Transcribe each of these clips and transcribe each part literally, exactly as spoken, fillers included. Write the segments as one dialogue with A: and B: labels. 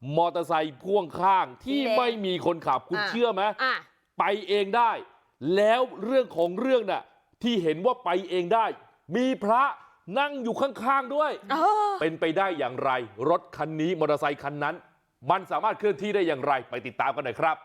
A: มอเตอร์ไซค์พ่วงข้างที่ไม่มีคนขับคุณเชื่อไหมไปเองได้แล้วเรื่องของเรื่องน่ะที่เห็นว่าไปเองได้มีพระนั่งอยู่ข้างๆด้วยเป็นไปได้อย่างไรรถคันนี้มอเตอร์ไซค์คันนั้นมันสามารถเคลื่อนที่ได้อย่างไรไปติดตามกันหน่อยครับ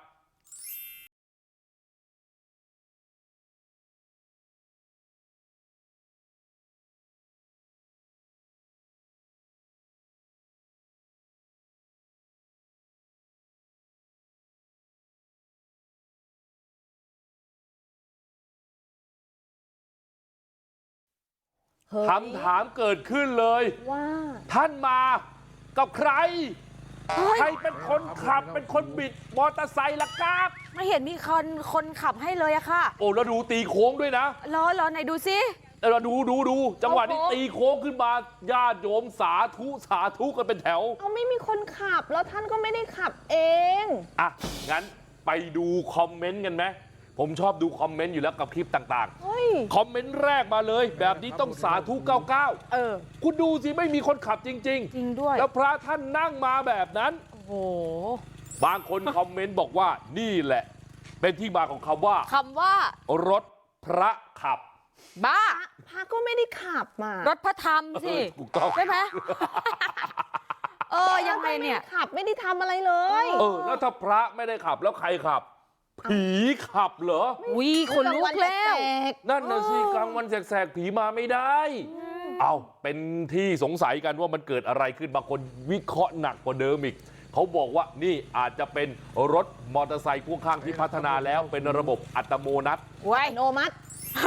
A: คำถามเกิดขึ้นเลยว่าท่านมากับใครใครเป็นคนขับเป็นคนบิดมอเตอร์ไซค์ล่ะครับ
B: ไม่เห็นมีคนคนขับให้เลยอะค่ะ
A: โอ้แล้วดูตีโค้งด้วยนะ
B: รอรอไหนดูสิ
A: เราดูดูดูจังหวะนี้ตีโค้งขึ้นมาญาติโยมสาธุสาธุกันเป็นแถว
C: เอาไม่มีคนขับแล้วท่านก็ไม่ได้ขับเอง
A: อ่ะงั้นไปดูคอมเมนต์กันไหมผมชอบดูคอมเมนต์อยู่แล้วกับคลิปต่างๆคอมเมนต์แรกมาเลยแบบนี้ต้องสาธุเก้าเก้าเออคุณดูสิไม่มีคนขับจริงๆจริ
B: งด้วย
A: แล้วพระท่านนั่งมาแบบนั้น
B: โอ้โห
A: บางคนคอมเมนต์บอกว่านี่แหละเป็นที่มาของคำว่า
B: คำว่าร
A: ถพระขับ
B: บ้า
C: พระก็ไม่ได้ขับมาร
B: ถพระธรรมสิ
A: ถูกต้อง
B: ใช่ไหมเออยังไงเนี่ย
C: ขับไม่ได้ทำอะไรเลย
A: เออแล้วถ้าพระไม่ได้ขับแล้วใครขับผีขับเหรอ
B: วิคนลุกแล้ว
A: นั่นน่ะสิกลางวันแสกๆผีมาไม่ได้เอาเป็นที่สงสัยกันว่ามันเกิดอะไรขึ้นบางคนวิเคราะห์หนักกว่าเดิมอีกเขาบอกว่านี่อาจจะเป็นรถมอเตอร์ไซค์พ่วงข้างที่พัฒนาแล้วเป็นระบบอัตโนมัติ
C: อัตโนมัติ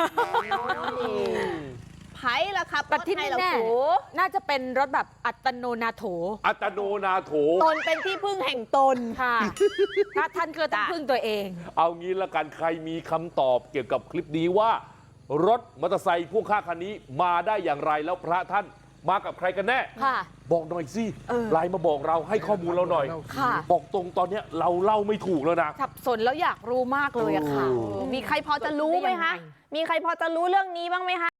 C: ไผ่ละครับ
B: แต่ที่แน่น่าจะเป็นรถแบบอัตโนนาโถ
A: อัตโนนาโถ
C: ตนเป็นที่พึ่งแห่งตน
B: ค่ะถ้าท่านก็ต้องพึ่งตัวเอง
A: เอางี้ละกันใครมีคำตอบเกี่ยวกับคลิปนี้ว่ารถมอเตอร์ไซค์พ่วงข้างคันนี้มาได้อย่างไรแล้วพระท่านมากับใครกันแน่บอกหน่อยสิไลน์มาบอกเราให้ข้อมูลเราหน่อยบอกตรงตอนนี้เราเล่าไม่ถูกแล้วนะ
B: สับสนแล้วอยากรู้มากเลยอะค่ะ
C: มีใครพอจะรู้ไหมคะมีใครพอจะรู้เรื่องนี้บ้างไหมคะ